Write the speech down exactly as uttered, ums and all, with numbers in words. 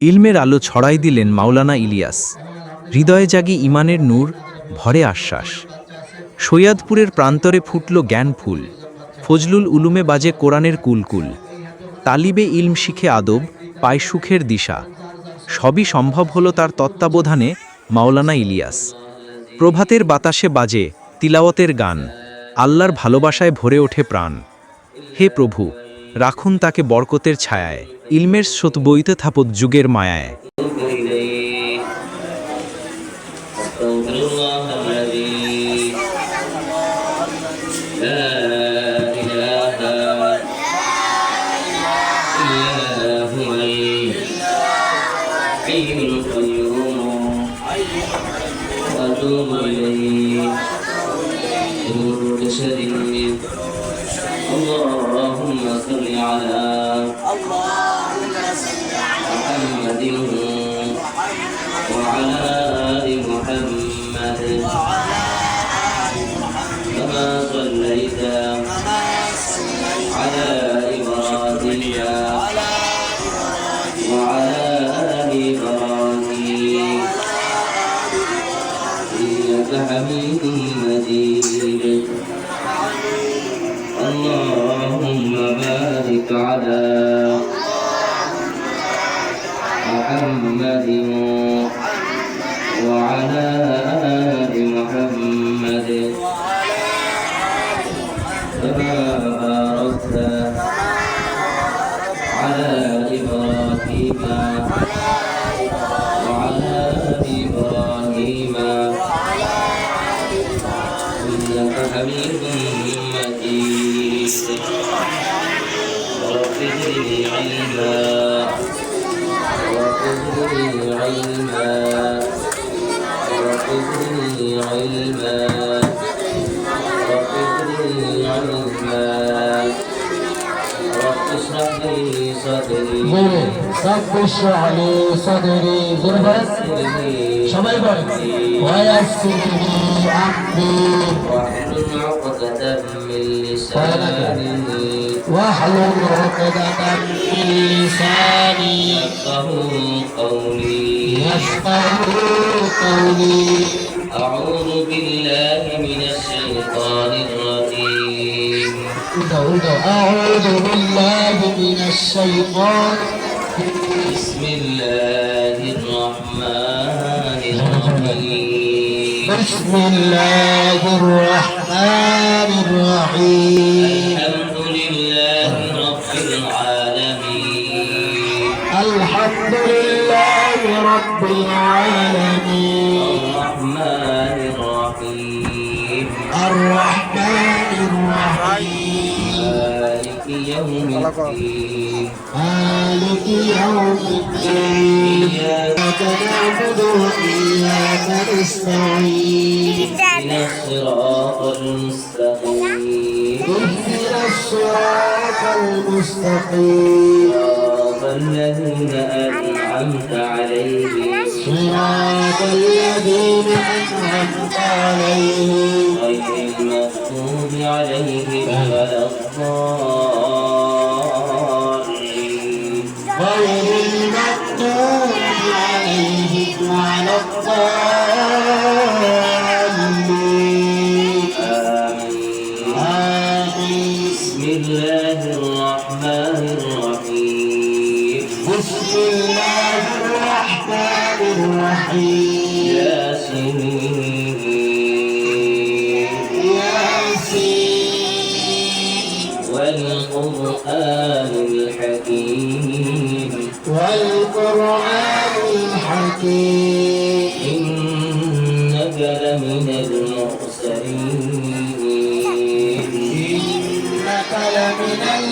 ইলমের আলো ছড়াই দিলেন মাওলানা ইলিয়াস। হৃদয়ে জাগি ইমানের নূর, ভরে আশ্বাস। সৈয়দপুরের প্রান্তরে ফুটল জ্ঞান ফুল, ফজলুল উলুমে বাজে কোরআনের কুলকুল। তালিবে ইলম শিখে আদব, পায় সুখের দিশা। সবই সম্ভব হলো তার তত্ত্বাবধানে, মাওলানা ইলিয়াস। প্রভাতের বাতাসে বাজে তিলাওয়াতের গান, আল্লাহর ভালোবাসায় ভরে ওঠে প্রাণ। হে প্রভু, রাখুন তাকে বরকতের ছায়ায়, ইলমের স্রোত বইতে থাপত যুগের মায়ায়। اللهم صل على محمد وعلى آل محمد كما صليت على إبراهيم وعلى آل إبراهيم إنك حميد مجيد. اللهم بارك على محمد وعلى آل محمد كما باركت على إبراهيم وعلى آل إبراهيم إنك حميد مجيد. رب زدني علما رب زدني علما رب زدني علما رب زدني علما رب اشرح لي صدري رب اشرح لي صدري সবাই বলেন ويسر لي أمري واحلل عقدة من لساني واحلل عقدة من لساني يفقهوا قولي يفقهوا قولي. أعوذ بالله من الشيطان الرجيم. أعوذ بالله من الشيطان. بسم الله الرحمن الرحيم. بسم الله الرحمن الرحيم. الحمد لله رب العالمين. الحمد لله رب العالمين. الرحمن الرحيم. الرحمن الرحيم. مالك يوم الدين. مالك يوم الدين. إياك نعبد وإياك نستعين. اهدنا الصراط المستقيم. اهدنا الصراط المستقيم. صراط الذين أنعمت عليهم صراط الذين أنعمت عليهم غير المغضوب عليهم ولا الضالين. غير المغضوب عليهم ولا الضالين. آمين. آمين. بسم الله الرحمن الرحيم. بسم الله الرحمن الرحيم. ياسين ياسين والقرآن الحكيم. والقرآن الحكيم. إنك لمن المرسلين. إنك لمن